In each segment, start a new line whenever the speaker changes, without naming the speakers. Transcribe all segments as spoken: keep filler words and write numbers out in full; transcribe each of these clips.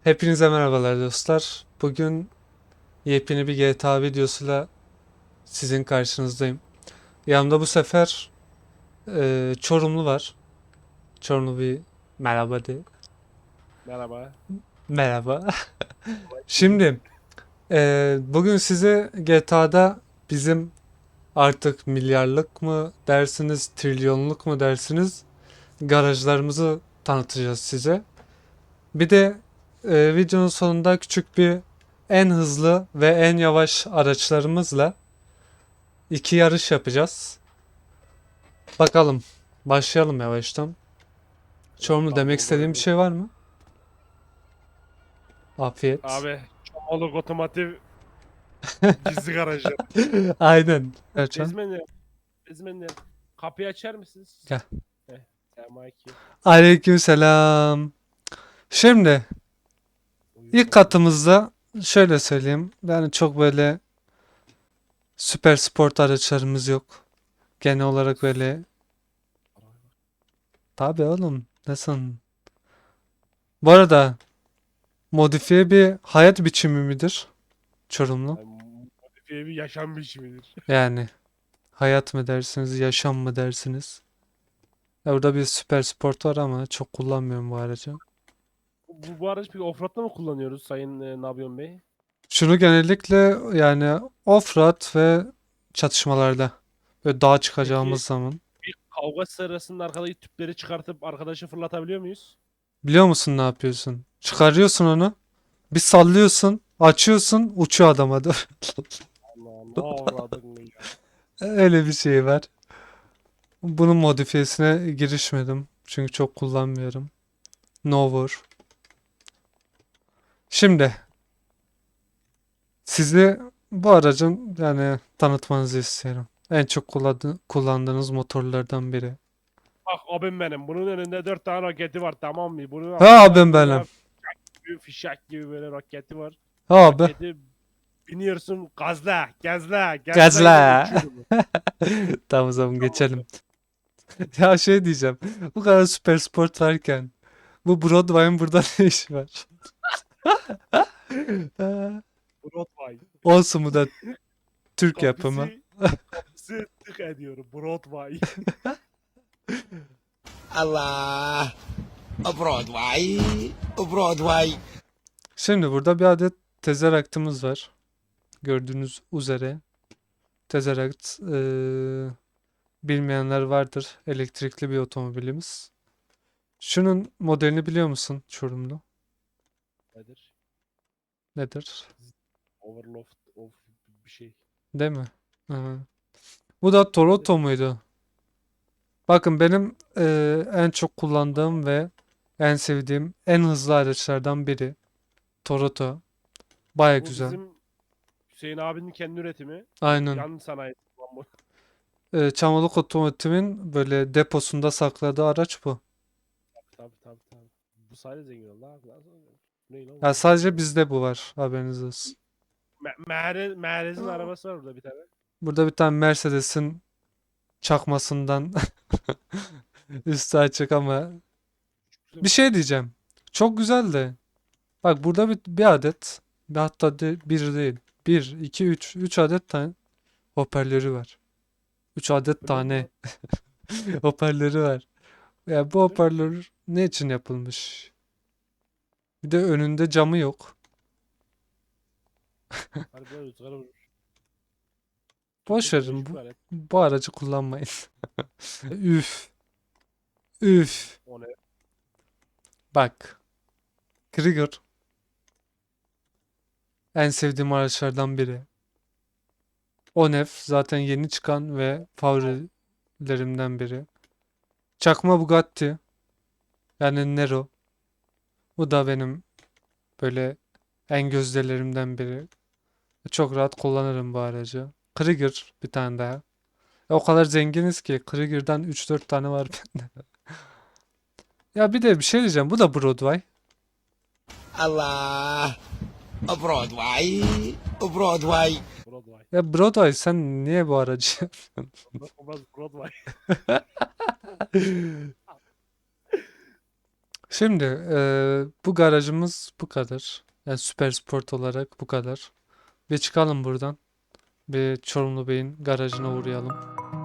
Hepinize merhabalar dostlar. Bugün yepyeni bir G T A videosuyla sizin karşınızdayım. Yanımda bu sefer e, Çorumlu var. Çorumlu bir merhaba de.
Merhaba.
Merhaba.
Şimdi
Şimdi e, bugün size G T A'da bizim artık milyarlık mı dersiniz, trilyonluk mu dersiniz garajlarımızı tanıtacağız size. Bir de e, videonun sonunda küçük bir en hızlı ve en yavaş araçlarımızla İki yarış yapacağız. Bakalım. Başlayalım yavaştan. Çorumlu demek istediğim bir şey var mı? Afiyet.
abi Çomoluk otomotiv gizli garajı.
Aynen. Erçan.
Bezmenler, bezmenler. Kapıyı açar mısınız?
Gel.
Heh, selamünaleyküm.
Aleykümselam. Şimdi
Buyur
ilk
baba.
katımızda şöyle söyleyeyim. Yani çok böyle süper sport araçlarımız yok. Genel olarak böyle tabii oğlum nasıl? Bu arada modifiye bir hayat biçimi midir Çorumlu?
Yani modifiye bir yaşam biçimidir.
Yani hayat mı dersiniz, yaşam mı dersiniz? Ya burada bir süper sport var ama çok kullanmıyorum bu aracı.
Bu, bu araç peki offroad'da mı kullanıyoruz Sayın e, Nabyon Bey?
Şunu genellikle yani off-road ve çatışmalarda böyle dağa
Peki
çıkacağımız zaman.
bir kavga sırasında arkadaki tüpleri çıkartıp arkadaşı fırlatabiliyor muyuz?
Biliyor musun ne yapıyorsun? Çıkarıyorsun onu, bir sallıyorsun, açıyorsun, uçuyor adama doğru.
Allah ne avradın ya.
Öyle bir şey var. Bunun modifiyesine girişmedim. Çünkü çok kullanmıyorum. No war. Şimdi sizi bu aracın yani tanıtmanızı istiyorum. En çok kullandı- kullandığınız motorlardan biri.
Bak abim benim. Bunun önünde dört tane roketi var, tamam mı? Bunun
Ha
altında
abim benim.
böyle bir fişek gibi böyle roketi var.
Ha abi.
Roketi biniyorsun, gazla, gazla, gazlayınca
Gazla.
uçuyor bu.
Tamam o zaman geçelim.
Tamamdır.
Ya şey diyeceğim. Bu kadar süper sport varken bu Broadway'ın burada ne işi var? Ha,
Broadway.
olsun bu da Türk yapımı.
Kapısı, kapısı tık ediyorum. Broadway.
Allah, Broadway, Broadway.
Şimdi burada bir adet tezeraktımız var. Gördüğünüz üzere. Tezerakt eee, bilmeyenler vardır. Elektrikli bir otomobilimiz. Şunun modelini biliyor musun Çorumlu?
Nedir?
Nedir?
Overloft of bir şey.
Değil mi? Hı. Bu da
Nedir?
Toronto muydu? Bakın benim eee, en çok kullandığım ve en sevdiğim en hızlı araçlardan biri. Toronto. Baya
Bu
güzel.
bizim Hüseyin abinin kendi üretimi.
Aynen.
Yan sanayi. Lan bu.
Eee Çamoluk Otomotiv'in böyle deposunda sakladığı araç bu.
Tabii tabii tabii. Bu sayede zengin oldu abi. Nasıl oluyor? Ne lan
Ya
bu?
sadece bizde bu var. Haberiniz olsun.
Me Mehrez, Mehrez'in arabası var burada bir tane.
Burada bir tane Mercedes'in çakmasından üstü açık ama bir
Güzelmiş
şey
lan.
diyeceğim. Çok güzel de. Bak burada bir, bir adet bir hatta de, bir değil. Bir, iki, üç. Üç adet tane hoparlörü var. Üç adet
Öyle mi
tane
lan?
hoparlörü var. Ya bu
Öyle mi?
hoparlör ne için yapılmış? Bir de önünde camı yok.
Harbiden rüzgar vurmuş. Çok
Boş verin
teknolojik bir
bu,
alet.
bu aracı kullanmayın. Üf, üf.
O ne?
Bak, Krieger en sevdiğim araçlardan biri. Onef zaten yeni çıkan ve favorilerimden biri. Çakma Bugatti yani Nero. Bu da benim böyle en gözdelerimden biri. Çok rahat kullanırım bu aracı. Krieger bir tane daha. E, o kadar zenginiz ki Krieger'dan üç dört tane var bende. Ya bir de bir şey diyeceğim. Bu da Broadway.
Allah, Broadway, Broadway.
Broadway.
Ya Broadway sen niye bu aracı?
Olmaz olmaz Broadway.
Şimdi eee, bu garajımız bu kadar. Yani Süper Sport olarak bu kadar. Bir çıkalım buradan. Bir Çorumlu Bey'in garajına uğrayalım.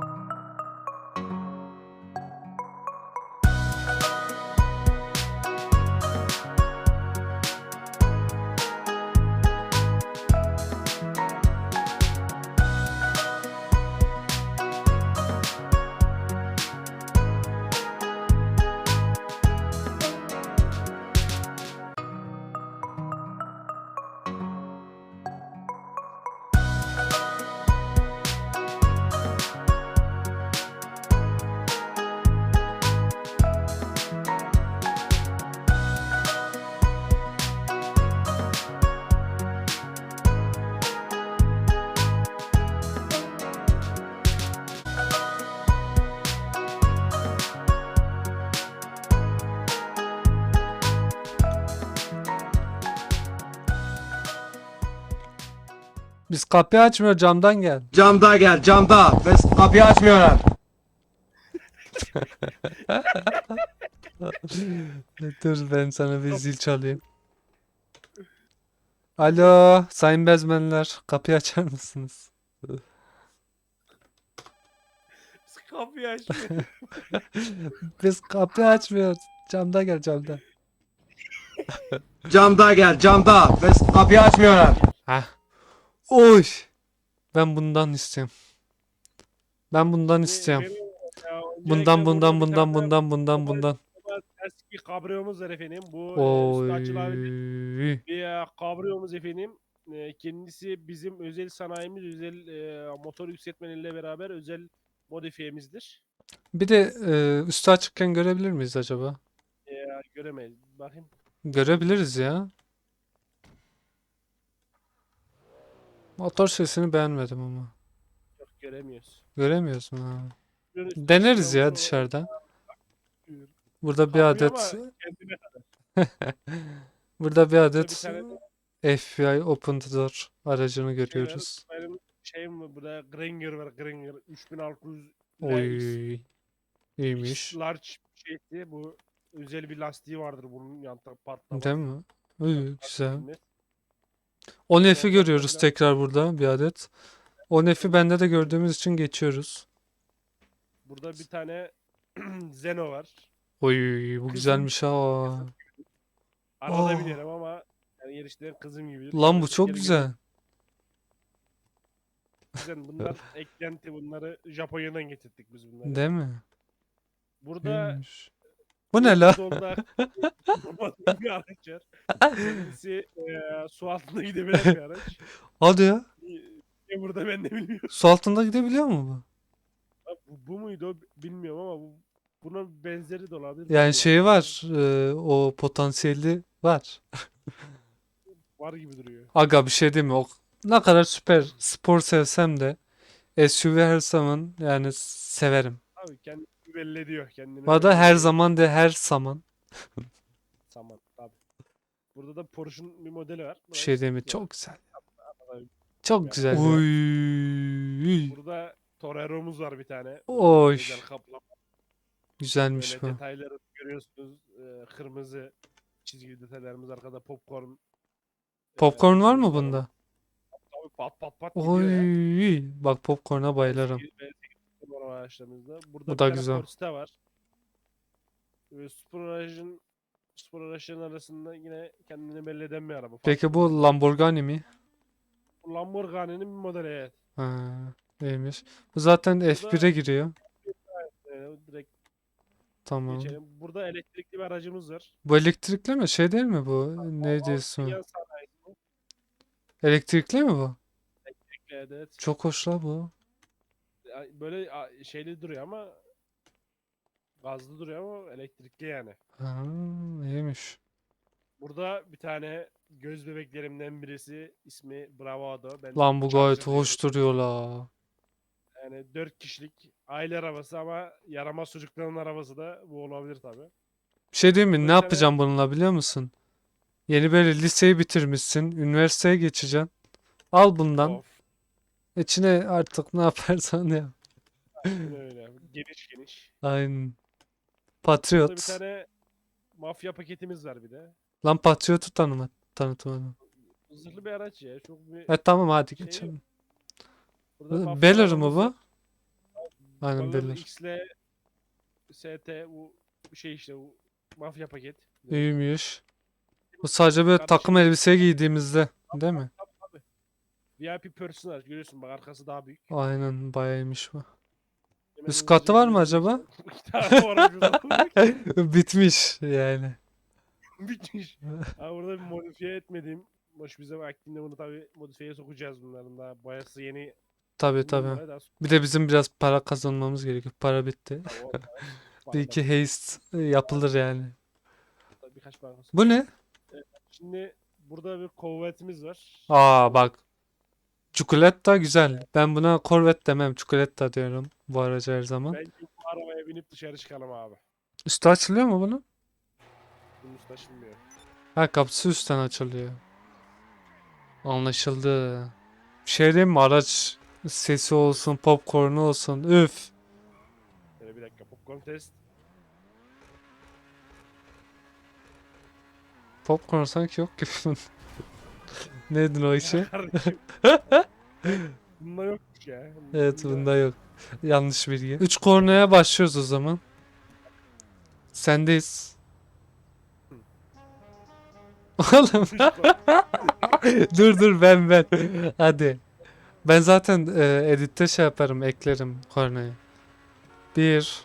Biz kapıyı açmıyor, camdan gel.
Camda gel camda. Biz kapıyı açmıyorlar.
Dur ben sana bir zil çalayım. Alo, sayın bezmenler, kapıyı açar mısınız?
Kapıyı açmıyor.
Biz kapıyı açmıyoruz. Camda gel, camda.
Camda gel camda. Biz kapıyı açmıyorlar.
Heh. Oy. Ben bundan istiyorum. Ben bundan istiyorum.
Benim- ya,
Bundan,
öncelikle
bundan,
burada bir
bundan,
tane
bundan, bundan, bundan.
eski kabriyomuz var efendim. Bu e, üstü açılan bir,
Oy.
bir e, kabriyomuz efendim. E, kendisi bizim özel sanayimiz, özel e, motor yükseltmenle beraber özel modifiyemizdir.
Bir de e, üstü açıkken görebilir miyiz acaba?
E, göremeyiz. Bakın.
Görebiliriz ya. Motor sesini beğenmedim ama.
Yok, göremiyoruz.
Göremiyorsun ha.
Bunun üstü
Deneriz
açılıyor
ya
mu?
dışarıdan.
Buyur.
Burada bir
Kabriyo
adet
ama kendine
burada bir
Burada
adet
bir tane
F B I Open Door aracını
şey var.
görüyoruz.
Benim şeyim var burada, Gringer var, Gringer üç bin altı yüz
Oy,
X
iyiymiş.
large şeydi. Bu özel bir lastiği vardır bunun, yan tarafı patlamaz.
Değil mi? Uy, güzel.
Bilmez.
on F'i
Ondan
görüyoruz
sonra-
tekrar burada bir adet. on F'i bende de gördüğümüz için geçiyoruz.
Burada bir tane Zeno var.
Oy, bu
Kızım-
güzelmiş ha.
Arada
Aa.
binerim ama yani yarışların kızım gibidir.
Lan bu
Arada
çok
geri
güzel.
Güzel. Bunlar eklenti, bunları Japonya'dan getirdik biz bunları.
Değil mi?
Burada
İyiymiş. Bu ne la?
Solda bir araç var. Kendisi eee, su altında gidebilen bir araç.
Hadi ya.
Ne burada ben de bilmiyorum.
Su altında gidebiliyor mu bu?
Abi Bu, bu muydu o bilmiyorum ama bu, bunun benzeri de olabilir.
Yani
bilmiyorum.
şeyi var. e, o potansiyeli var.
Var gibi duruyor.
Aga bir şey değil mi? O ne kadar süper spor sevsem de S U V her zaman yani severim.
Abi kendini belli ediyor. Kendini
Bu arada
belli
her
ediyor.
zaman de her zaman.
Saman tabii. Burada da Porsche'un bir modeli var.
Bir şey değil mi?
Burası-
Çok güzel.
Tabii.
Çok
Ya.
güzel ya. Oy.
Burada Torero'muz var bir tane.
Oy.
Özel kaplama.
Güzelmiş
Böyle
bu.
detayları görüyorsunuz. Ee, kırmızı çizgili detaylarımız arkada, popcorn.
Popcorn
ee,
var mı
şeyimiz
bunda?
Tabii pat pat pat gidiyor ya.
Oy. Bak popcorn'a bayılırım.
B sekiz numara araçlarımızda. Burada
Bu
bir
da
tane
güzel.
Corsa var. Ee, spor aracın spor araçların arasında yine kendini belli eden bir araba.
Peki
Farklı bir
bu
model.
Lamborghini mi?
Lamborghini'nin bir modeli, evet.
Ha, neymiş? Bu zaten F bir'e giriyor.
Ee, direkt
Tamam.
geçelim. Burada elektrikli bir aracımız var.
Bu elektrikli mi? Şey değil mi bu? Ne diyorsun?
Yan sanayisi.
Elektrikli mi bu?
Evet, evet.
Çok hoş la bu.
Ya böyle a- şeyli duruyor ama gazlı duruyor ama elektrikli yani.
Ha, iyiymiş.
Burada bir tane göz bebeklerimden birisi, ismi Bravado. Ben
Lan bu
Charger
gayet
diyorum.
hoş duruyor la.
Yani dört kişilik aile arabası ama yaramaz çocukların arabası da bu olabilir tabi.
Bir şey diyeyim mi?
Bu
Ne
bir tane-
yapacağım bununla biliyor musun? Yeni böyle liseyi bitirmişsin. Üniversiteye geçeceksin. Al bundan.
Of.
İçine artık ne yaparsan yap.
Aynen öyle. Geniş geniş.
Aynen.
Burada bir
Patriot.
tane mafya paketimiz var bir de.
Lan Patriot'u tanıma, tanıtmadım.
Zırhlı bir araç ya. Çok bir
E tamam hadi
şey
geçelim.
yok. Burada mafya
Beller mi
arabamız
bu?
var.
Aynen
Baller
Beller.
X'le S T bu şey işte bu mafya paket.
İyiymiş. Bu sadece böyle
Kardeşim,
takım elbise giydiğimizde değil mi?
tabii, tabii. V I P personel görüyorsun bak arkası daha büyük.
Aynen bayağı iyiymiş bu.
Hemen
Üst
hızlıca
katı var mı
gidiyorsun
acaba?
işte. İki tane var şurada.
Bitmiş yani.
Bitmiş. Ha burada bir modifiye etmediğim. Boş bize vaktinde bunu tabi modifiyeye sokacağız bunların daha. Boyası yeni.
Tabii
Bundan
tabii.
dolayı daha sonra-
Bir de bizim biraz para kazanmamız gerekiyor. Para bitti.
Tabii o-
Bir
Bana
iki
da-
haste yapılır yani.
da birkaç bankası.
Bu ne?
Şimdi burada bir kuvvetimiz var.
Aa bak. Çikolata güzel. Ben buna Corvette demem. Çikolata diyorum bu araca her zaman.
Bence bu arabaya binip dışarı çıkalım abi.
Üstü açılıyor mu bunun?
Bunun üstü taşınmıyor.
Ha kapısı üstten açılıyor. Anlaşıldı. Bir şey diyeyim mi? Araç sesi olsun, popcornu olsun. Üf.
Şöyle bir dakika popcorn test.
Popcorn sanki yok gibi. Neydin o işi?
Kardeşim. Bunda yokmuş ya.
Evet bunda yok. Yanlış bilgi. Üç kornaya başlıyoruz o zaman. Sendeyiz. Oğlum dur dur ben ben. Hadi. Ben zaten e, editte şey yaparım eklerim kornayı. Bir.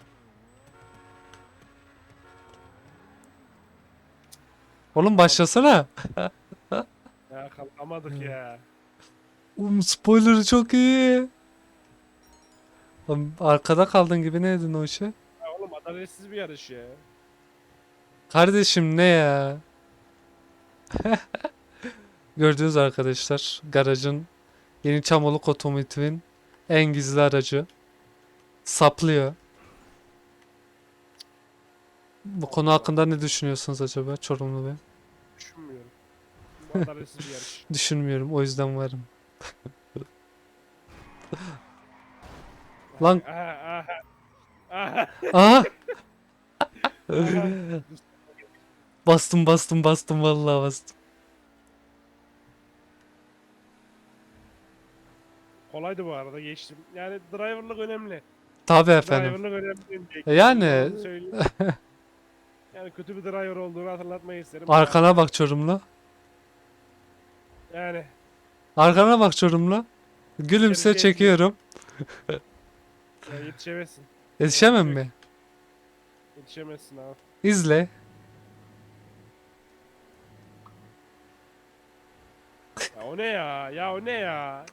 Oğlum başlasana.
Ya kalkamadık ya.
Um, spoiler'ı çok iyi. Oğlum, arkada kaldın gibi neydin o işe?
Ya oğlum adaletsiz bir yarış ya.
Kardeşim ne ya? Gördüğünüz arkadaşlar garajın yeni Çamoluk Otomotiv'in en gizli aracı saplıyor. Bu konu hakkında ne düşünüyorsunuz acaba Çorumlu Bey?
Düşünmüyorum. Bu adaletsiz bir yarış.
Düşünmüyorum o yüzden varım. Lan
Aha, aha. Aha.
aha
aha.
bastım bastım bastım vallahi bastım.
Kolaydı bu arada geçtim. Yani driverlık önemli.
Tabii efendim.
Driverlık önemli. diye
E yani-
onu söyleyeyim. Yani kötü bir driver olduğunu hatırlatmayı isterim.
Arkana bak Çorumlu.
Yani
Arkana bak Çorumlu. Gülümse
Gerçekten-
çekiyorum.
ya yetişemezsin.
Yetişemem mi?
Yetişemezsin abi.
İzle.
Ya o ne ya? Ya o ne ya?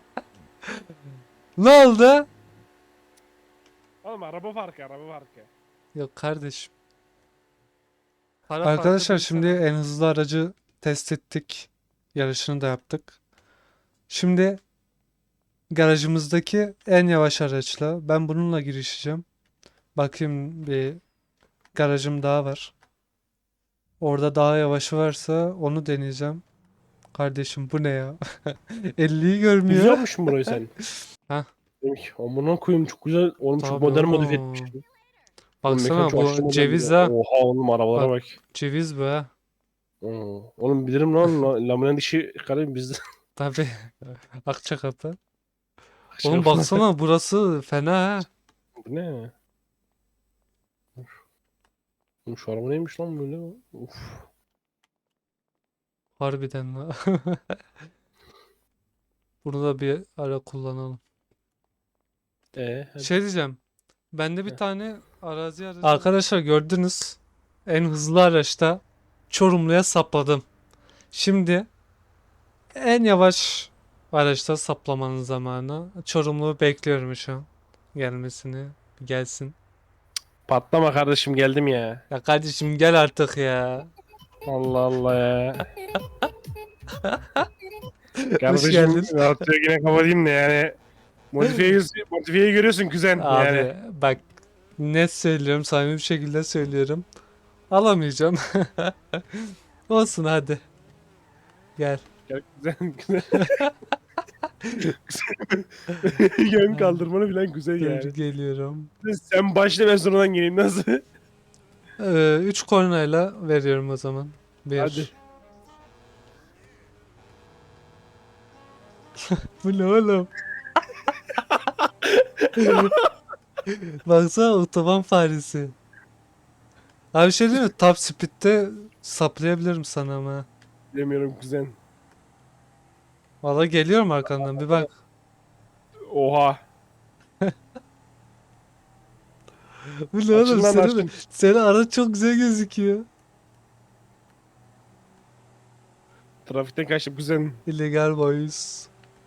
Ne oldu?
Oğlum araba farkı, araba farkı.
Yok kardeşim.
Para
Arkadaşlar
farkı
şimdi
değil
en hızlı aracı test ettik. Yarışını da yaptık. Şimdi garajımızdaki en yavaş araçla ben bununla girişeceğim. Bakayım bir garajım daha var. Orada daha yavaşı varsa onu deneyeceğim. Kardeşim bu ne ya? elliyi
sana.
görmüyor.
İzliyor musun burayı sen?
Hah.
Dedim ki amına koyayım çok güzel. Oğlum çok
Tabii
modern
oğlum.
modifiye etmiş. Oğlum
Baksana
mekan çok aşırı
bu
modern
ceviz
ya.
ha.
Oha oğlum arabalara bak.
Ceviz bu ha.
Oo. Oğlum bilirim lan. la- Laminen dişi karayım bizde.
Tabii. Akçakapı. Oğlum baksana burası fena ha.
Bu ne? Oğlum şu araba neymiş lan böyle? Uf.
Harbiden la. Bunu da bir ara kullanalım.
Ee, hadi.
Şey diyeceğim. Bende bir
Heh.
tane arazi aracı. Arkadaşlar gördünüz. En hızlı araçta Çorumlu'ya sapladım. Şimdi en yavaş araçta saplamanın zamanı. Çorumlu'yu bekliyorum şu an. Gelmesini. Bir gelsin.
Patlama kardeşim geldim ya.
Ya kardeşim gel artık ya.
Allah Allah ya.
Hoş
Kardeşim
geldin.
radyoyu yine kapatayım da yani. Modifiyeyi, modifiyeyi görüyorsun kuzen.
Abi
Yani.
bak net söylüyorum, samimi bir şekilde söylüyorum. Alamayacağım. Olsun hadi. Gel.
Gel kuzen kuzen. Yön kaldırmanı bilen kuzen
Dur
yani.
geliyorum.
Sen başla ben sonradan geleyim nasıl?
Ee, üç kornayla veriyorum o zaman. Bir.
Hadi.
Bu ne oğlum? Baksana otoban faresi. Abi bir şey değil mi? Top speed'de saplayabilirim sana ama.
Bilemiyorum kuzen.
Valla geliyorum arkandan bir bak.
Oha.
Bu ne oğlum?
Açın lan,
Senin,
açın.
senin araç çok güzel gözüküyor.
Trafikten kaçtım kuzen.
Illegal boys.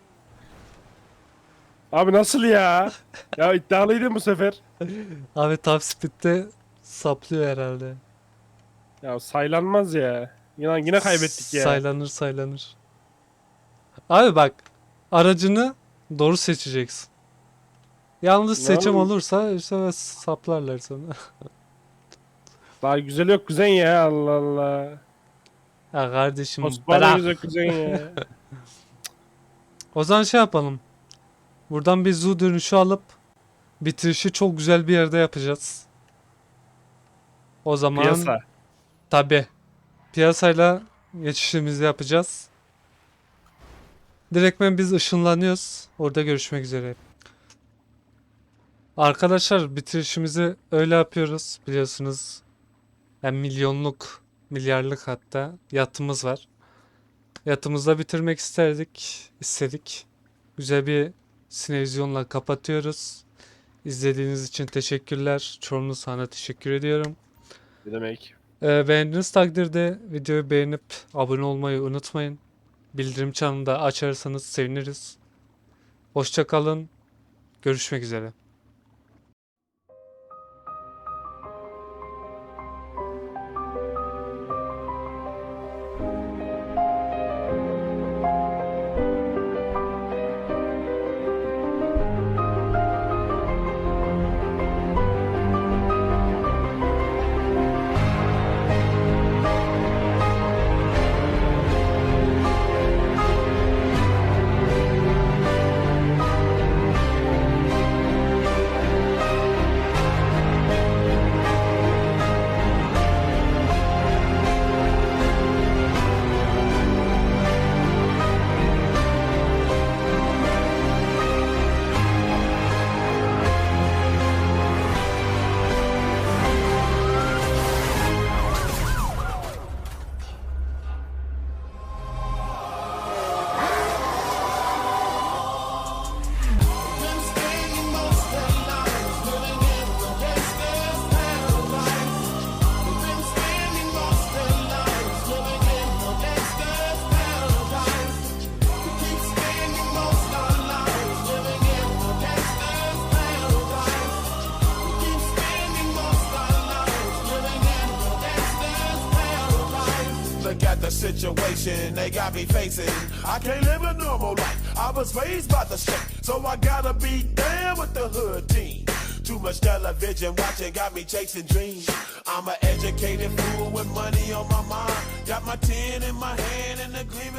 Abi nasıl ya? Ya iddialıydın bu sefer.
Abi top speed'de saplıyor herhalde.
Ya saylanmaz ya. Yine, yine kaybettik ya.
Saylanır saylanır. Abi bak aracını doğru seçeceksin. Yanlış
Ne
seçim
oğlum?
olursa işte saplarlar sana.
Daha güzel yok kuzen ya, Allah Allah.
Ya kardeşim
Osmanlı
bırak.
güzel kuzen ya.
O zaman şey yapalım. Buradan bir zoo dönüşü alıp bitirişi çok güzel bir yerde yapacağız. O zaman
Piyasa.
tabi piyasayla geçişimizi yapacağız. Direktmen biz ışınlanıyoruz. Orada görüşmek üzere. Arkadaşlar bitirişimizi öyle yapıyoruz biliyorsunuz. Yani milyonluk, milyarlık hatta yatımız var. Yatımızda bitirmek isterdik, istedik. Güzel bir sinevizyonla kapatıyoruz. İzlediğiniz için teşekkürler. Çorumlu sana teşekkür ediyorum.
Ne demek?
Ee, beğendiğiniz takdirde videoyu beğenip abone olmayı unutmayın. Bildirim çanını da açarsanız seviniriz. Hoşça kalın. Görüşmek üzere.
Look at the situation they got me facing. I can't live a normal life. I was raised by the street, so I gotta be down with the hood team. Too much television watching got me chasing dreams. I'm an educated fool with money on my mind. Got my tin in my hand and the gleam